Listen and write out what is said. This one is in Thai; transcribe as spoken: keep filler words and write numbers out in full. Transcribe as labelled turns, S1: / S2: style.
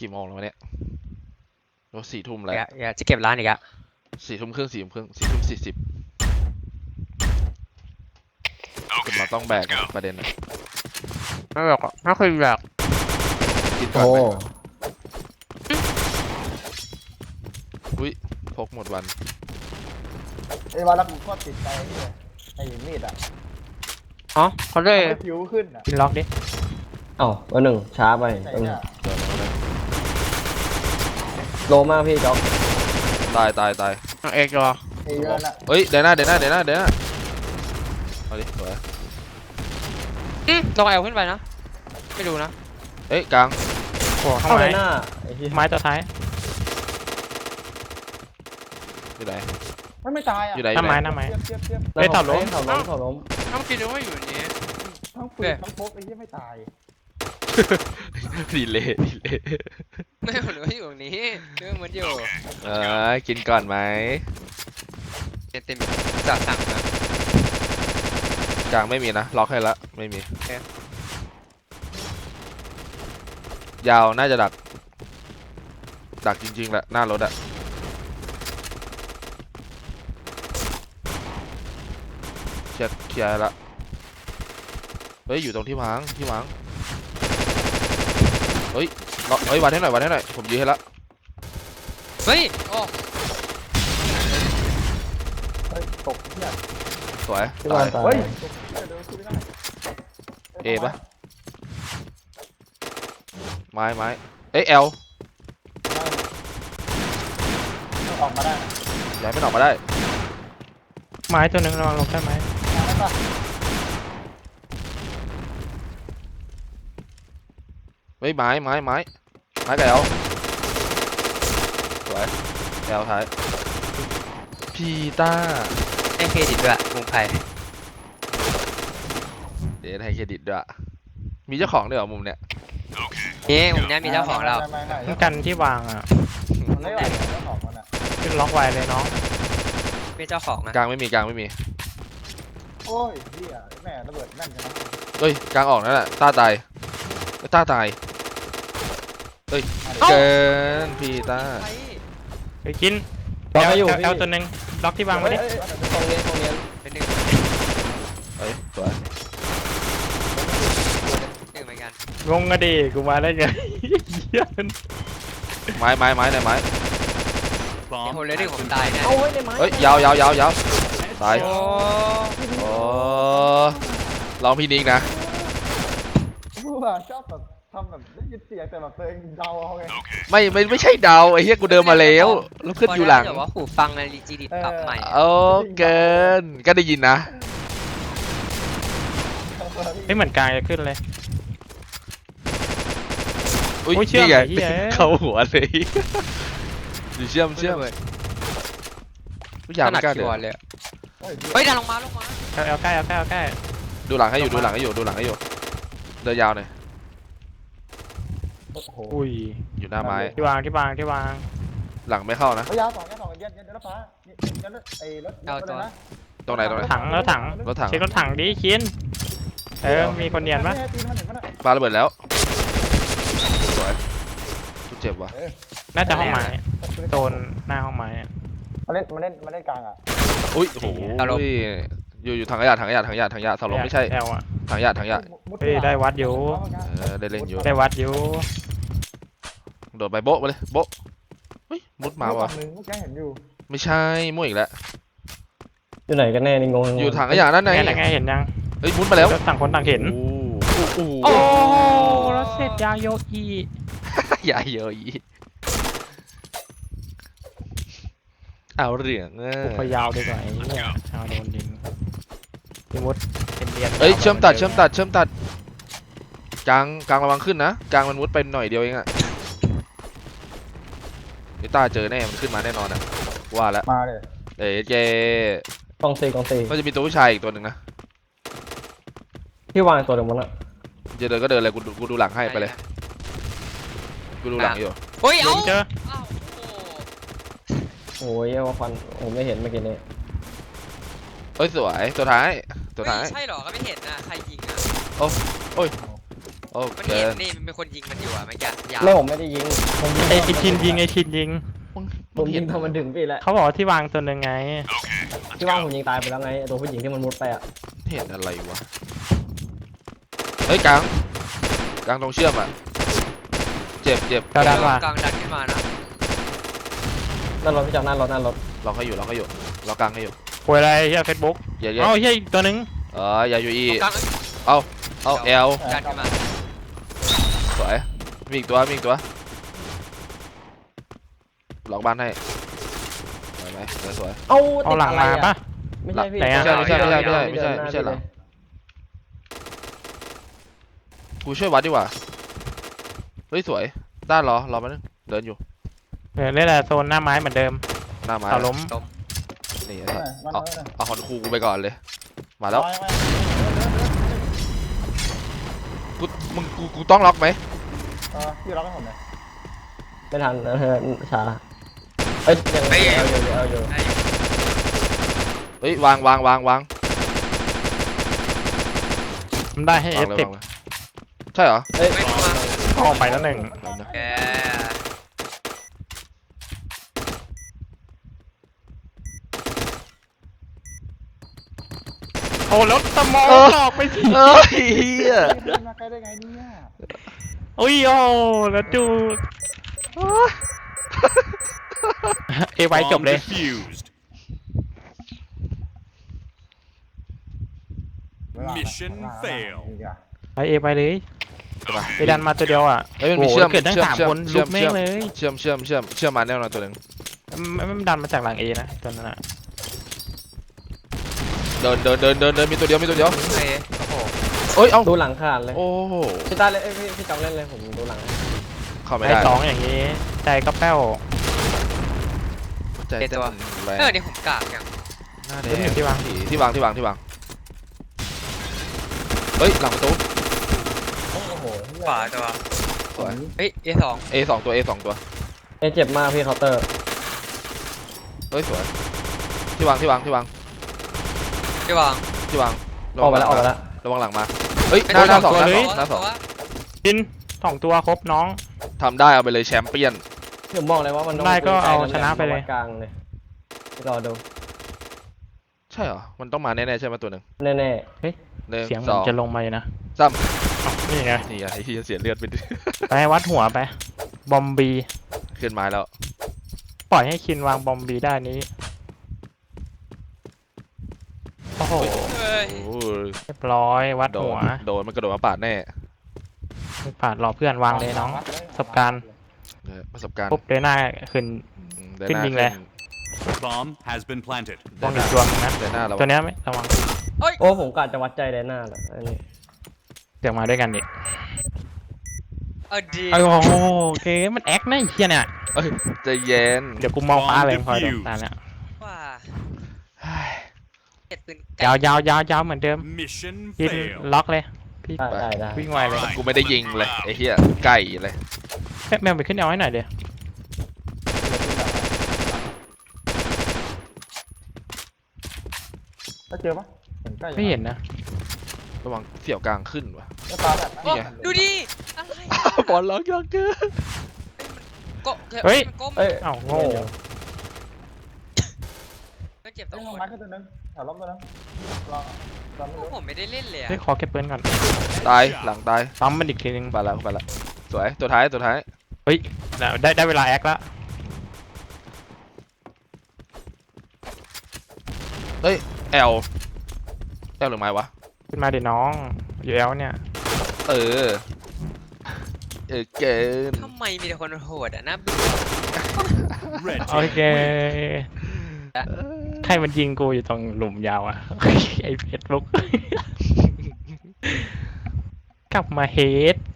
S1: กี่โมงแล้วเนี่ยโอ้สี่ทุ่มแล้ว
S2: อย่าจะเก็บร้านอีกอะ
S1: สี่ทุ่มครึ่งสี่ทุ่มครึ่งสี่ทุ่มสี่สิบคุณมาต้องแบกประเด็นนะ
S2: ไม่แบบไม่เคยแบบ
S1: กินก่อน
S3: โอ้
S1: ไหมอุ้ยพกหมดวัน
S4: ไอ้วันละกูก็ติดใจเนี่ยไอ้มีดอ่ะ
S2: อ๋อเขาได้
S4: ทำให้ผิวขึ้นอ่ะ
S2: กินล็อกดิ
S3: เอ้าเบอร์หนึ่งช้าไป
S4: ไหน
S3: เออ
S4: เนี่ย
S1: เดี๋ยวเอาเลย
S3: โลมากพี่จ๊อก
S1: ตายตายตาย
S2: เอกรอ
S4: ไอ้เรื่องน่ะ
S1: เฮ้ยเดี๋ยวหน้าเดี๋ยวหน้าเดี๋ยวหน้าเดี๋ยวหน้าเอาดิสวย
S2: อืมลองแอลขึ้นไปนะไม่ดูนะ
S1: เอ้ยกลาง
S2: โอ้
S3: เข้า
S2: ข้าง
S3: ใน
S2: ไม้
S3: หน้าไอ้ที่
S2: ไม้ตัวท้าย
S1: อยู่ไหน
S4: ไม่ไม่ตายอ่ะ
S1: อยู่ไหนอ
S2: หน้า
S1: ยู่ไห
S2: ไม้
S1: น
S2: หน้าไม้
S4: เทียบเทียบเทียบ
S2: เฮ้ยถอดล้ม
S3: ถอดล้มถอดล้ม
S2: น้ำกินดูว่าอยู่นี้
S4: ทั้งปืนทั้งพกไอ้ที่ไม่ตาย
S1: ดีเลยดีเลย
S2: ไม่หรือว่าอยู่ตรงนี้เรื่องมันอยู่
S1: เออกินก่อนไหม
S2: เต็มเต็มจัดสั่งนะ
S1: กลางไม่มีนะล็อกให้ละไม่มียาวน่าจะดักดักจริงๆแหละหน้ารถอะเคลียร์เคลียร์ละเฮ้ยอยู่ตรงที่วางที่วางเฮ้ยล็อกเฮ้ยวันให้หน่อยวันให้หน่อยผมยื้อให้ละ
S2: เฮ้ยโอ้
S4: เฮ้ยตกเนี่ย
S1: สวย
S3: ที่
S1: ตา
S3: ว่าย ตาย
S4: เฮ้ยตกเนี่ยเดินขึ้นไม่ได้
S1: เอปะไม้ไม้เอ้ยเอล
S4: ออกมาได้นะ
S1: ย้ายไม่ออกมาได้
S2: ไม้ตัวหนึ่งระวังลงได้ไหม
S4: มาได้ปะ
S1: เฮ้ยไม้ไม้ไม้ไม้กับเอลสวยเอลท้ายพีต้า
S2: ให้เครดิตด้วยมุงไผ่
S1: เดี๋ยวให้เครดิตด้วยมีเจ้าของด้วยเหรอมุมเนี้ย
S2: นี่มุมนี้มีเจ้าของเรา
S4: ไม่ไม่ไม่
S5: กันที่วางอ่ะ
S4: มันไม่ไหวเจ้าของมันอ่ะ
S5: ขึ้นล็อกไวเลยน้อง
S2: มีเจ้าของนะ
S1: กลางไม่มีกลางไม่มี
S4: โอ้ยเฮียแม่ระเบิดแม่นจังนะ
S1: เฮ้ยกลางออกนั่นแหละต้าตายต้าตายเฮ้ยเกินพีต้า
S5: ไปกิน
S3: ล็อกให้อยู่
S5: เอล
S3: พี่
S5: เอลตัวหนึ่งล็อกที่วางไว้ดิ
S4: เฮ้ยเฮ้ย
S3: ตรงนี้ตรงนี้
S2: เป็นหนึ่ง
S1: เฮ้ยสวย
S2: หนึ่งเหมือนกัน
S5: งงอะดิกูมาได้ไงเหี้ย
S1: ไม้ไม้ไม้ไหนไม้
S2: มีคนเลยที่ผมตายแน่
S3: เอาไว้ในไม้
S1: เฮ้ยยาวยาวยาวยาวตาย
S2: โอ้
S1: โอ้ลองพี่นิกนะ
S4: กูแบบชอบแบบทำแบบได้ยินเสียงแต่แบบตัวเองเดาเอาไง
S1: ไม่ไม่ไม่ใช่เดาไอ้เหี้ยกูเดินมาแล้วแล้วขึ้นอยู่หลัง
S2: แต่ว่าหูฟังในรีจีดิปรับใหม่
S1: โอ้เกินก็ได้ยินนะ
S5: ไม่เหมือนกลางจะขึ้นเลย
S1: อุ้ย
S5: โอ้ยเชื่อม
S1: นี่ไง
S5: ไอ้เหี้ย
S1: เข้าหัวเลยดูเชื่อมเชื่อมผู้หญิง
S2: ขนา
S1: ไม่
S2: ด
S1: กล้า
S2: คี
S1: เดิ
S2: ย์บอร์ด
S1: น
S2: เลย
S4: เฮ้ย
S2: เฮ้ยดันลงมาลงมา
S5: เอลเอลใกล้เอลใกล้เอลใกล้
S1: ดูหลังให้อยู่ดูหลังให้อยู่ดูหลังให้อยู่เดินยาวหน่อย
S4: โอ้โห
S5: อุ้ย
S1: อยู่หน้าไม้
S5: ที่วางที่วางที่วาง
S1: หลังไม่เข้านะ
S4: เอายาวสองยาวสองเย็นเย็นเย็นรถฟ้าเย็นเย็นรถไอ้รถรถอะไรนะ
S1: ตรงไหนตรงไหน
S5: ถังแล้วถัง
S1: รถถัง
S5: เช็ครถถังดิคินเออมีคนเนียนปะ
S4: ตีนมันเห็นปะน่ะ
S1: ปาระเบิดแล้วสวยกูเจ็บว่ะ
S5: น่าจะห้องไม้โซนหน้าห้องไม้อะ
S4: มาเล่นมาเล่นมาเล่นกลางอ่ะ
S1: อุ้ยโอ้โหอยู่อยู่ถังขยะถังขยะถังขยะถังขยะสลบไม่ใช่
S5: แอลอ่ะ
S1: ถังขยะถังขยะ
S5: เฮ้ยได้วัดอยู่
S1: เออได้เล่นอยู่
S5: ได้วัดอยู่
S1: โดดไปโบ๊ะมาเลยโบ๊ะเฮ้ยมุดมาว่ะ
S4: หนึ่งเมื่อกี้เห็นอยู่
S1: ไม่ใช่มั่วอีกแล้ว
S3: อยู่ไหนกันแน่นี่งง
S1: อยู่ถังขยะนั่นไง
S5: ไงไงเห็นยัง
S1: เฮ้ยมุดมาแล้ว
S5: ต่างคนต่างเห็น
S1: โอ้โห
S5: โอ้แล้วเสร็จยาโยอี
S1: อย่าเยอะอีเอาเหลืองเออ
S5: พยาวดีกว่าไอ้เนี่ยชาวโดนยิงพี่มุดเป็นเรียน
S1: เอ้ยเชื่อมตัดเชื่อมตัดเชื่อมตัดกลางกลางระวังขึ้นนะกลางมันมุดไปหน่อยเดียวเองอะไอ้ตาเจอแน่มันขึ้นมาแน่นอนอะว่าแล้ว
S4: มาเลย
S1: เอ้ยเจ
S3: กองซีกองซี
S1: ก็จะมีตัวผู้ชายอีกตัวหนึ่งนะ
S3: ที่วางตัวเดียวมันอะ
S1: จะเดินก็เดินเลยกูดูกูดูหลังให้ไปเลยกูดูหลังอยู่
S2: เฮ้ย
S5: ลุ
S2: เอ้าง
S5: เจอ
S2: เอ้าโอ้
S3: โอ้ยเอามาฟันผมไม่เห็นเมื่อกี้นี้
S1: เอ้ยสวยตัวท้ายตัวท้าย
S2: เฮ้ยใช่เหรอก็ไม่เห็นนะใครยิงอ่ะ
S1: โอ้
S2: มัน
S1: เกิ
S2: เห็น
S1: น
S2: นี่มันเป็นคนยิงมันอยู่อะไม่แก่ยาว
S3: ไม่ผมไม่ได้ยิงผมยิง
S5: ไอ้ไอ้ทินยิงไอ้ทินยิง
S1: มึง
S3: ผ
S1: มึ
S3: ม
S1: ง
S3: ยิ
S1: เห็
S3: ง
S1: น
S3: ทำมันถึงพี่แล้ว
S5: เขาบอกว่าที่วางตัวหนึ่งไง
S3: ที่ว่างผมยิงตายไปแล้วไงไอ้ตัวผู้หญิงที่มันมุดไปอ่ะ
S1: เห็นอะไรวะเฮ้ยกลางกลางตรงเชื่อมอ่ะเจ็บเจ็บ
S5: กระดานว่ะ
S2: กลางดันขึ้นมานะ
S3: นั่นรถพี่จับนั่นรถนั่นรถ
S1: ล็อกให้อยู่ล็อกให้อยู่ล็อกกลางให้อยู่
S5: ป่วยอะไรเฮียเฟซบุ๊ก
S1: อย่าอย่า
S5: เอ้าเฮียอีกตัวหนึง
S1: เอออย่าอยู่อี
S2: กลาง
S1: เอาเอล
S2: ดันขึ้นมา
S1: สวยมีอีกตัวมีอีกตัวล็อกบ้านให้สวยไหมสวยสวย
S3: เอา
S5: เอา
S3: ติด
S5: หลัง
S3: อะไร
S5: มา
S3: อ่ะ
S5: ปะ
S3: ไม่ใช่พี่
S5: ไหนอะ
S1: ไม่ใช่ไม่ใช่ไม่ใช่ไม่ใช่
S3: เดินหน้า
S1: ไม่ใช่หรอ
S3: พี่เลย
S1: กูช่วยวัดดีกว่าเฮ้ยสวยด้านรอรอมานึงเดินอยู่
S5: เออเล่นแหละโซนหน้าไม้เหมือนเดิม
S1: หน้าไม้
S5: เสาล้ม
S1: นี่
S4: เออมัน
S1: เอา
S4: เออ
S1: เอาหอนคูกูไปก่อนเลยมาแล้ว
S4: ไปไป
S1: กูมึงกูกูต้องล็อกไหม
S4: เออพี่รับให้ผมหน่อย
S3: ไม่ทันเออช้าเอ้ยยังเอาอยู่เอาอยู่
S2: ได้อยู่
S1: เฮ้ยวางวางวางวาง
S5: มันได้ให้เอ
S1: วาง
S5: ฟ
S1: เลย
S5: สิบ
S1: วางเลยใช่เหรอ
S3: เอ้ย
S2: ไม่มา
S5: ออกไปแล้วหนึ่ง
S2: แก
S5: โอ้แล้วสมองออกไปสิ
S1: เอ้ยเหี้ย
S4: เดินมาใกล้ได้ไงเนี่ย
S5: โอ้ยโอ้แล้วจูเอไว้จบเลย
S6: Defused.
S4: อี
S6: Mission
S4: กอ่ะ
S6: fail
S5: ไปเอไปเลยไปดันมาตัวเดียวอ่ะ
S1: เฮ้ยมันมี
S5: โอ้โห
S1: เชื่อม
S5: เกิดทั้ง
S1: เชื่อม
S5: สาม
S1: เชื่อม
S5: คน
S1: เชื่
S5: ลุ
S1: อม
S5: กแม่งเลย
S1: เชื่อมเชื่อมเชื่อมเชื่อมมาแน่นอนตัวหนึ่ง
S5: ไม่ไม่ดันมาจากหลังเอนะตัวนั้นอ่ะ
S1: เดินเดินเดินเดินเดินมีตัวเดียวมีตัวเดียว
S2: เอ้ยโอ้โห
S1: เอ้ยเอ้า
S3: ดูหลังขาดเลย
S1: โอ้โห
S3: พี่ตาเลยเอ้ยพี่พี่จับเล่นเลยผมดูหลัง
S1: เข้าไม่
S5: ไอ้
S1: ได้
S5: สองอย่างนี้ใจก็แป้ว
S1: ใจเต้นแรง
S2: เออเดี๋ยวผมกากอย่าง
S1: หน้าแด
S5: เล่นอง ยู่ที่วาง
S1: ที่วางที่วางที่วางเฮ้ยหลังประตู
S3: โอ้โห
S2: ขวาตัว
S1: สวย
S2: เฮ้ยเอสอง
S1: A สองตัว A สองตัว
S3: เอ้ยเจ็บมากพี่เคาน์เตอร์
S1: เฮ้ยสวยที่วางที่วางที่วาง
S2: ที่วาง
S1: ที่วาง
S3: ออกไปแล้วออกไปแล้ว
S1: ระวังหลังมาเฮ้ยหน้าหน้าสองหน้าสองหน้าสอง
S5: จินสองตัวครบน้อง
S1: ทำได้เอาไปเลยแชมเปี้ยน
S3: ผมบอกเลยว่ามัน
S5: ได้ก็เอาชนะไปเลย
S3: กลางเลยรอดู
S1: ใช่เหรอมันต้องมาแน่ๆใช่ไหมตัวหนึ่ง
S3: แน่
S1: หนึ่ง
S5: เสียงเห
S1: ส
S5: มือ
S1: อน ง
S5: จะลงมาเลยนะ
S1: สาม
S5: อ้าวนี่ไง
S1: นี่ไงไอ้ที่เสียเลือดไปดิ
S5: ไปวัดหัวไป บอมบี
S1: ขึ้นไม้แล้ว
S5: ปล่อยให้คินวางบอมบีได้นี้ โอ้โห
S2: เฮ้ย
S1: โอ้ย
S5: เรียบร้อยวัด
S1: โด
S5: หั
S1: น
S5: ว
S1: โดนมันกระโดดมาปาดแน่
S5: ไม่ผ่านรอเพื่อนวางเลยน้อง ประสบการณ์
S1: เออประสบการณ์
S5: ปุ๊บเดินหน้าขึ้น
S1: อืมเดิ
S5: ขึ้น
S1: หา
S5: ยิงเลย
S6: Bomb has been planted.
S5: มองอีกตัวนึงนะ
S1: เดินหน้าเรา
S5: ตัวเนี้ยไม่ระวัง
S3: ๆโอ้ผมกะจะวัดใจแดนหน้าแหละอันนี้
S5: เดี๋ยวมาด้วยกันดิ
S2: เออดี
S5: โอ้โหโอเคมันแอคนะไอ้เฮียเนี่ย
S1: เอ้ยใจเย็น
S5: เดี๋ยวกูมองฟ้าเลยพอเดี๋ยวตาเนี่ย
S2: ว่า
S1: เฮ้ย
S2: เก็บปืน
S5: ยาวยาวยาวยาวเหมือนเดิม
S6: Mission
S5: ยิน
S6: fail.
S5: ล็อกเลยพี่
S3: ได้ได้ได้
S5: วิ่งไวเลย
S1: กูไม่ได้ยิงเลยไอ้เหี้ยไก่เลย
S5: แมวไปขึ้นเอาให้หน่อยเดี๋ยว
S4: แล้วเจอปะเห็นใกล้อยู่
S5: ไม่เห็นนะ
S1: ระวังเสี่ยวกลางขึ้นวะ
S4: แล้วตาแบบ
S1: นี่ไง
S2: ดูดิอะไร
S1: บอลล็อกยอกเกอร์
S2: ก็
S5: เฮ้ย
S2: มันก้ม
S3: เอ้ย
S5: อ้าวโง่
S2: มันเจ็บตร
S4: เอ้ย
S2: ง
S4: ลง
S2: ค
S4: ไม้
S2: น
S4: ขึ้นตัวนึงแถวล้มตัวนึงรอรอไม่
S2: พวก
S4: รู้
S2: ผมไม่ได้เล่นเลยอะ
S5: เฮ้ยขอเก็บปืนก่อน
S1: ตายหลังตาย
S5: ปั๊มมันอีกทีนึง
S1: ไปแล้วไปแล้วสวยตัวท้ายตัวท้าย
S5: เฮ้ยได้ได้เวลาแอคแล้ว
S1: เอ้ยแอลแอลหรือไม้วะ
S5: ขึ้นมาดิน้องอยู่แล้วเนี่ย
S1: เออเออเกิน
S2: ทำไมมีแต่คนโหดอะนะ
S6: Red
S5: โอ
S6: team
S5: เค ใครมันยิงกูอยู่ตรงหลุมยาวอะ ไอเฟซบุ๊ก กลับมาเฮด